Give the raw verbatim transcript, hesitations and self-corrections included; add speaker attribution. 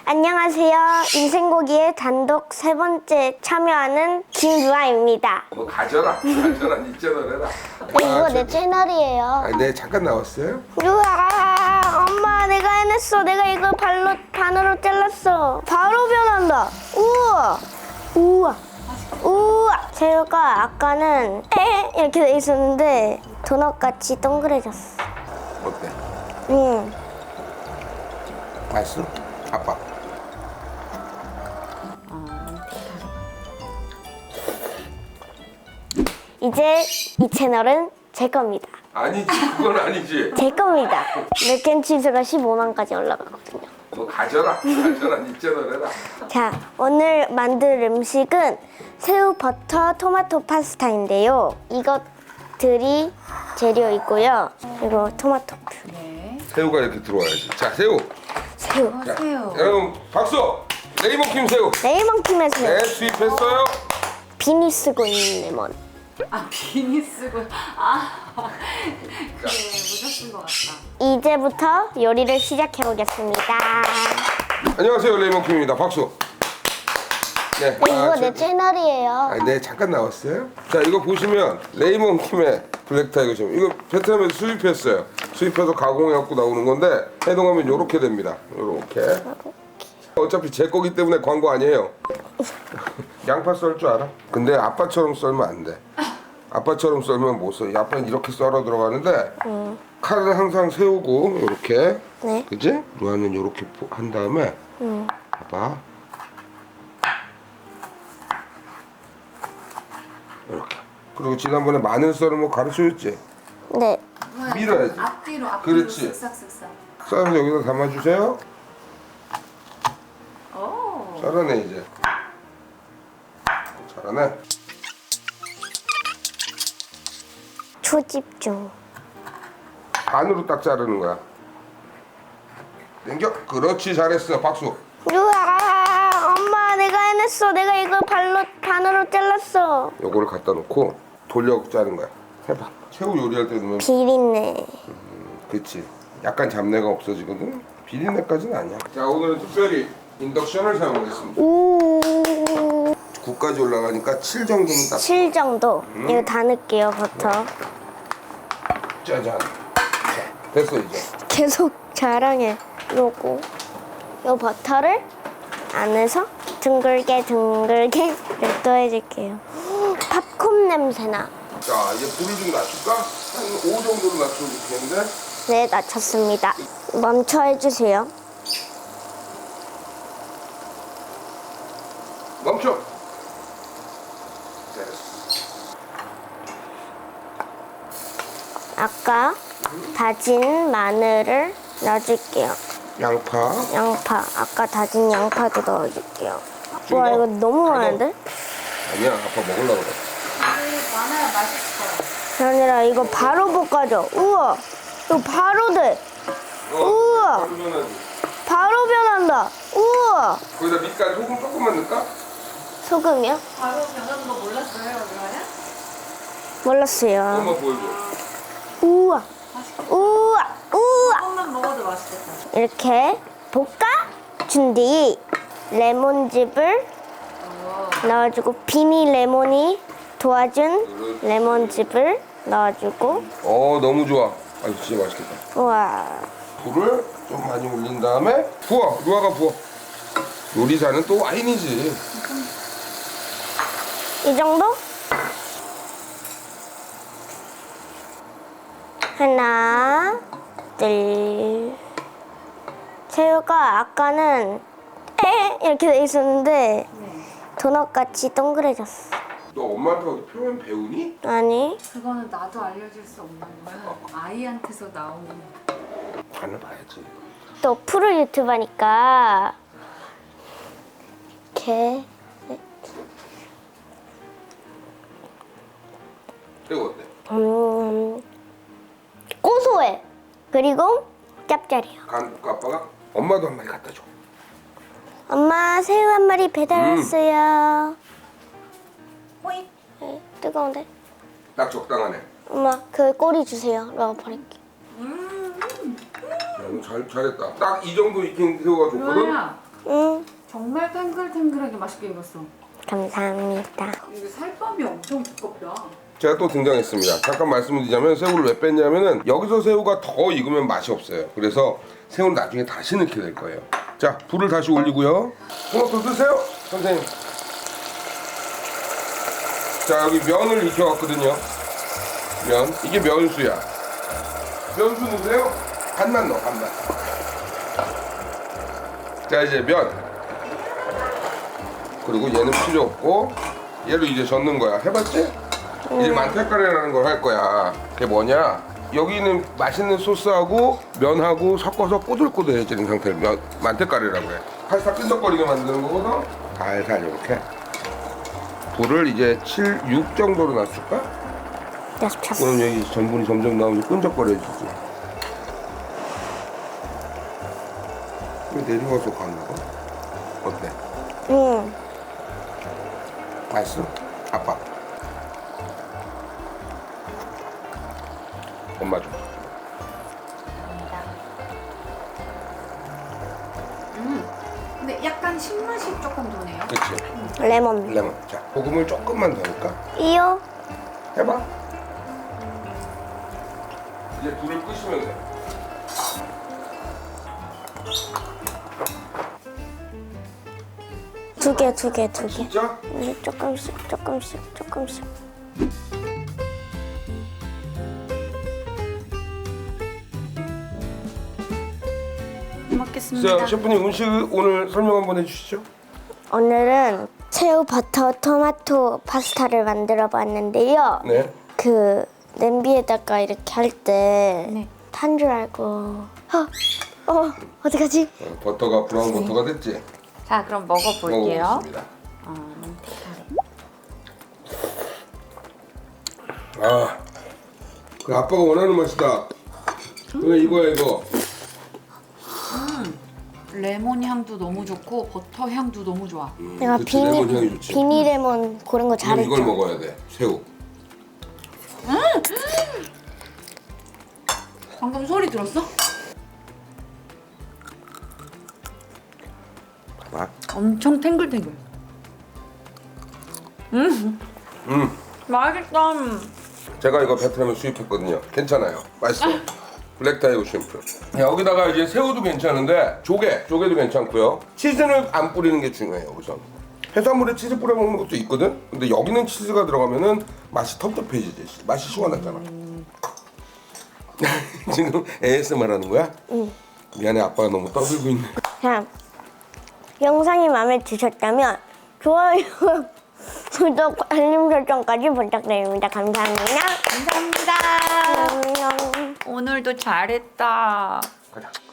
Speaker 1: 안녕하세요. 인생고기의 단독 세 번째 참여하는 김유아입니다.
Speaker 2: 뭐 가져라, 가져라, 니 채널해라.
Speaker 1: 이거 내 채널이에요.
Speaker 2: 아, 네 잠깐 나왔어요.
Speaker 1: 유아, 엄마 내가 해냈어. 내가 이걸 발로 반으로 잘랐어. 바로 변한다. 우와, 우와, 우와. 새우가 아까는 에 이렇게 돼 있었는데 도넛 같이 동그래졌어.
Speaker 2: 어때?
Speaker 1: 응.
Speaker 2: 맛있어? 아빠.
Speaker 1: 이제 이 채널은 제 겁니다.
Speaker 2: 아니지, 그건 아니지.
Speaker 1: 제 겁니다. 맥앤치즈가 십오만까지 올라가거든요.
Speaker 2: 뭐 가져라, 가져라, 니 채널해라.
Speaker 1: 자, 오늘 만들 음식은 새우 버터 토마토 파스타인데요. 이것들이 재료이고요. 그리고 토마토 퓨
Speaker 3: 네.
Speaker 2: 새우가 이렇게 들어와야지. 자, 새우.
Speaker 1: 새우.
Speaker 3: 어, 새우.
Speaker 2: 여러분 박수. 레이먼킴 새우.
Speaker 1: 레이먼킴의 새우.
Speaker 2: 네, 수입했어요.
Speaker 1: 비니 쓰고 있는 레몬.
Speaker 3: 아 비니 쓰고 아 그래 모자 쓴 것 같다.
Speaker 1: 이제부터 요리를 시작해 보겠습니다.
Speaker 2: 안녕하세요, 레이먼킴입니다. 박수. 네.
Speaker 1: 이거
Speaker 2: 아,
Speaker 1: 내
Speaker 2: 저-
Speaker 1: 채널이에요.
Speaker 2: 아, 네, 잠깐 나왔어요. 자, 이거 보시면 레이먼킴의 블랙타이거 좀 이거 베트남에서 수입했어요. 수입해서 가공해갖고 나오는 건데 해동하면 이렇게 됩니다. 이렇게. 어차피 제 거기 때문에 광고 아니에요. 양파 썰 줄 알아? 근데 아빠처럼 썰면 안 돼. 아빠처럼 썰면 못 써. 아빠는 이렇게 썰어 들어가는데 칼은 항상 세우고 이렇게.
Speaker 1: 네.
Speaker 2: 그지? 루아는 이렇게 한 다음에
Speaker 1: 음.
Speaker 2: 봐봐. 이렇게. 그리고 지난번에 마늘 썰은 거 가르쳐줬지?
Speaker 1: 네.
Speaker 2: 밀어야지.
Speaker 3: 앞뒤로 앞뒤로
Speaker 2: 그렇지.
Speaker 3: 쓱싹쓱싹.
Speaker 2: 썰어서 여기다 담아주세요.
Speaker 3: 오.
Speaker 2: 잘하네 이제. 잘하네.
Speaker 1: 초집중.
Speaker 2: 반으로 딱 자르는 거야. 당겨. 그렇지, 잘했어. 박수.
Speaker 1: 유아, 엄마 내가 해냈어. 내가 이걸 발로 반으로 잘랐어.
Speaker 2: 요거를 갖다 놓고 돌려 자른 거야. 해봐. 새우 요리할 때 넣으면
Speaker 1: 비린내.
Speaker 2: 그치. 약간 잡내가 없어지거든. 비린내까지는 아니야. 자, 오늘은 특별히 인덕션을 사용하겠습니다.
Speaker 1: 오.
Speaker 2: 구까지 올라가니까 칠 정도는 딱.
Speaker 1: 칠 정도. 이거 다 넣을게요, 버터.
Speaker 2: 짜잔. 자, 됐어 이제.
Speaker 1: 계속 자랑해. 요거. 요 버터를 안에서 둥글게 둥글게 또 해줄게요. 팝콘 냄새나.
Speaker 2: 자, 이제 불을 좀 낮출까? 한 오 정도로 낮추면 좋겠는데.
Speaker 1: 네, 낮췄습니다. 멈춰 해주세요.
Speaker 2: 멈춰. 됐어.
Speaker 1: 아까 다진 마늘을 넣어줄게요.
Speaker 2: 양파.
Speaker 1: 양파. 아까 다진 양파도 넣어줄게요.
Speaker 2: 좀
Speaker 1: 와,
Speaker 2: 더.
Speaker 1: 이거 너무
Speaker 2: 더.
Speaker 1: 많은데?
Speaker 2: 아니야, 아빠 먹으려고 그래.
Speaker 3: 이게 많아야 맛있어요.
Speaker 1: 아니라 이거 바로 볶아줘. 우와, 이거 바로 돼. 우와.
Speaker 2: 그러면은
Speaker 1: 바로 변한다. 우와.
Speaker 2: 거기다 밑간 소금 조금만 넣을까?
Speaker 1: 소금이요?
Speaker 3: 바로 변하는 거 몰랐어요, 그러냐?
Speaker 1: 몰랐어요.
Speaker 2: 한번 보여줘.
Speaker 1: 우와. 우와. 우와.
Speaker 3: 조금만 먹어도 맛있겠다.
Speaker 1: 이렇게 볶아준 뒤 레몬즙을 넣어주고 비니 레몬이 도와준 레몬즙을 넣어주고
Speaker 2: 어, 너무 좋아. 아, 진짜 맛있겠다.
Speaker 1: 우와.
Speaker 2: 불을 좀 많이 올린 다음에 부어. 루아가 부어. 요리사는 또 와인이지.
Speaker 1: 이 정도? 하나, 둘. 새우가 아까는 에 이렇게 돼 있었는데
Speaker 3: 네.
Speaker 1: 도넛 같이 동그래졌어.
Speaker 2: 너 엄마한테 어디 표현 배우니?
Speaker 1: 아니,
Speaker 3: 그거는 나도 알려줄 수 없는 거야. 아이한테서 나오는.
Speaker 2: 간을 봐야지.
Speaker 1: 또 프로 유튜버니까 이렇게
Speaker 2: 이거 어때?
Speaker 1: 음, 고소해. 그리고 짭짤해요.
Speaker 2: 간 볼까 아빠가? 엄마도 한 마리 갖다 줘.
Speaker 1: 엄마 새우 한 마리 배달
Speaker 2: 음.
Speaker 1: 왔어요.
Speaker 3: 호잇.
Speaker 1: 네, 뜨거운데?
Speaker 2: 딱 적당하네.
Speaker 1: 엄마 그 꼬리 주세요. 내가 버릴게.
Speaker 3: 음.
Speaker 2: 야, 너 잘, 잘했다. 딱 이 정도 익힌 새우가 좋거든?
Speaker 3: 루아야,
Speaker 1: 응,
Speaker 3: 정말 탱글탱글하게 맛있게 익었어.
Speaker 1: 감사합니다.
Speaker 3: 이게 살밥이 엄청 두껍다.
Speaker 2: 제가 또 등장했습니다. 잠깐 말씀을 드리자면 새우를 왜 뺐냐면은 여기서 새우가 더 익으면 맛이 없어요. 그래서 새우는 나중에 다시 넣게 될 거예요. 자, 불을 다시 올리고요. 토마토 드세요, 선생님. 자, 여기 면을 익혀왔거든요. 면, 이게 면수야. 면수 넣으세요. 반만 넣어, 반만. 자, 이제 면. 그리고 얘는 필요 없고 얘로 이제 젓는 거야. 해봤지? 이제 만테카레라는 걸 할 거야. 그게 뭐냐? 여기는 맛있는 소스하고 면하고 섞어서 꼬들꼬들해지는 상태를 면, 만테카레라고 해. 파스타 끈적거리게 만드는 거거든. 살살 이렇게. 불을 이제 칠, 육 정도로 낮출까?
Speaker 1: 여섯 час.
Speaker 2: 그럼 여기 전분이 점점 나오면 끈적거려지지. 왜 내려와서 가는 거? 어때?
Speaker 1: 응.
Speaker 2: 맛있어? 아빠. 엄마 좀.
Speaker 3: 음. 근데 약간 신맛이 조금 도네요.
Speaker 2: 그치?
Speaker 1: 레몬.
Speaker 2: 레몬. 자, 소금을 조금만 더 넣을까?
Speaker 1: 이요.
Speaker 2: 해봐. 이제 불을 끄시면 돼.
Speaker 1: 두 개, 두 개, 두 개.
Speaker 2: 진짜?
Speaker 1: 음, 조금씩, 조금씩, 조금씩.
Speaker 3: 먹겠습니다.
Speaker 2: 자, 셰프님 음식 오늘 설명 한번 해주시죠.
Speaker 1: 오늘은 새우 버터 토마토 파스타를 만들어 봤는데요.
Speaker 2: 네.
Speaker 1: 그 냄비에다가 이렇게 할 때
Speaker 3: 네.
Speaker 1: 탄 줄 알고 어, 어 어떡하지?
Speaker 2: 어, 버터가 브라운 버터가 됐지?
Speaker 3: 자, 그럼 먹어볼게요.
Speaker 2: 먹어보겠습니다.
Speaker 3: 어, 만테카레.
Speaker 2: 아, 그 아빠가 원하는 맛이다. 그래 이거야 이거.
Speaker 3: 레몬 향도 너무 좋고 버터 향도 너무 좋아.
Speaker 1: 내가
Speaker 2: 그치, 레몬 향이
Speaker 1: 비니
Speaker 2: 좋지.
Speaker 1: 비니 레몬 고른 거
Speaker 2: 그럼
Speaker 1: 잘했죠.
Speaker 2: 이걸 먹어야 돼. 새우.
Speaker 3: 방금 소리 들었어?
Speaker 2: 봐봐.
Speaker 3: 엄청 탱글탱글. 음,
Speaker 2: 음,
Speaker 3: 맛있다.
Speaker 2: 제가 이거 베트남에 수입했거든요. 괜찮아요. 맛있어요. 블랙 타이거 쉼프. 여기다가 이제 새우도 괜찮은데 조개, 조개도 괜찮고요. 치즈는 안 뿌리는 게 중요해요. 우선 해산물에 치즈 뿌려 먹는 것도 있거든. 근데 여기는 치즈가 들어가면은 맛이 텁텁해지지. 맛이 시원하잖아. 지금 에이에스엠알 하는 거야?
Speaker 1: 응.
Speaker 2: 미안해, 아빠가 너무 떠들고 있네.
Speaker 1: 자, 영상이 마음에 드셨다면 좋아요, 구독, 알림 설정까지 부탁드립니다. 감사합니다.
Speaker 3: 감사합니다.
Speaker 1: 안녕.
Speaker 3: 오늘도 잘했다.
Speaker 2: 가자.